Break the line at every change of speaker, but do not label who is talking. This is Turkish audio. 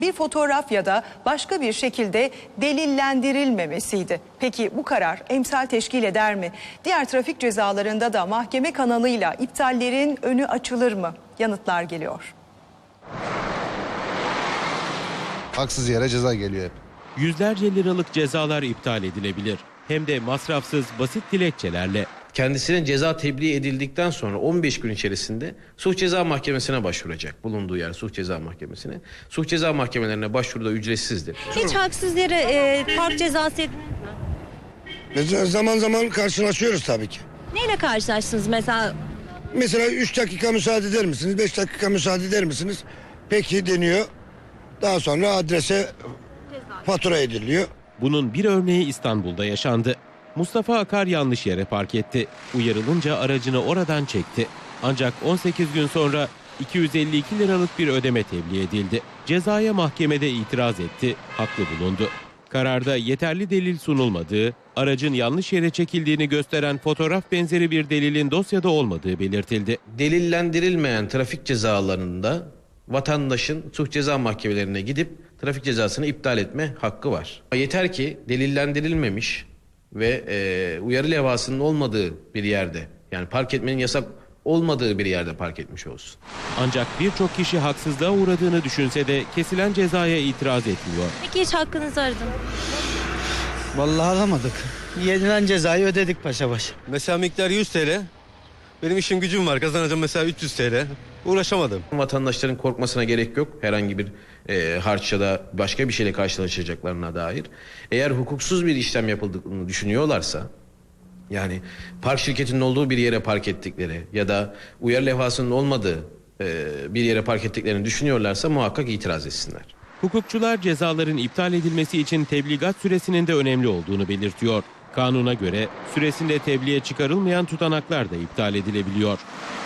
Bir fotoğraf ya da başka bir şekilde delillendirilmemesiydi. Peki bu karar emsal teşkil eder mi? Diğer trafik cezalarında da mahkeme kanalıyla iptallerin önü açılır mı? Yanıtlar geliyor.
Haksız yere ceza geliyor hep.
Yüzlerce liralık cezalar iptal edilebilir. Hem de masrafsız, basit dilekçelerle.
Kendisine ceza tebliğ edildikten sonra 15 gün içerisinde Suç Ceza Mahkemesi'ne başvuracak. Bulunduğu yer Suç Ceza Mahkemesi'ne. Suç Ceza Mahkemelerine başvuru da ücretsizdir.
Hiç haksız yere park cezası yediniz mi?
Mesela zaman zaman karşılaşıyoruz tabii ki.
Neyle karşılaştınız mesela?
Mesela 3 dakika müsaade eder misiniz? 5 dakika müsaade eder misiniz? Peki deniyor. Daha sonra adrese fatura ediliyor.
Bunun bir örneği İstanbul'da yaşandı. Mustafa Akar yanlış yere park etti. Uyarılınca aracını oradan çekti. Ancak 18 gün sonra 252 liralık bir ödeme tebliğ edildi. Cezaya mahkemede itiraz etti, haklı bulundu. Kararda yeterli delil sunulmadığı, aracın yanlış yere çekildiğini gösteren fotoğraf benzeri bir delilin dosyada olmadığı belirtildi.
Delillendirilmeyen trafik cezalarında vatandaşın Suç Ceza Mahkemelerine gidip trafik cezasını iptal etme hakkı var. Yeter ki delillendirilmemiş ve uyarı levhasının olmadığı bir yerde, yani park etmenin yasak olmadığı bir yerde park etmiş olsun.
Ancak birçok kişi haksızlığa uğradığını düşünse de kesilen cezaya itiraz etmiyor.
Peki hiç hakkınızı aradın?
Vallahi alamadık. Yenilen cezayı ödedik paşa baş.
Mesela miktar 100 TL. Benim işim gücüm var. Kazanacağım mesela 300 TL. Uğraşamadım.
Vatandaşların korkmasına gerek yok. Herhangi bir harç ya da başka bir şeyle karşılaşacaklarına dair. Eğer hukuksuz bir işlem yapıldığını düşünüyorlarsa, yani park şirketinin olduğu bir yere park ettikleri ya da uyarı levhasının olmadığı bir yere park ettiklerini düşünüyorlarsa muhakkak itiraz etsinler.
Hukukçular cezaların iptal edilmesi için tebligat süresinin de önemli olduğunu belirtiyor. Kanuna göre süresinde tebliğe çıkarılmayan tutanaklar da iptal edilebiliyor.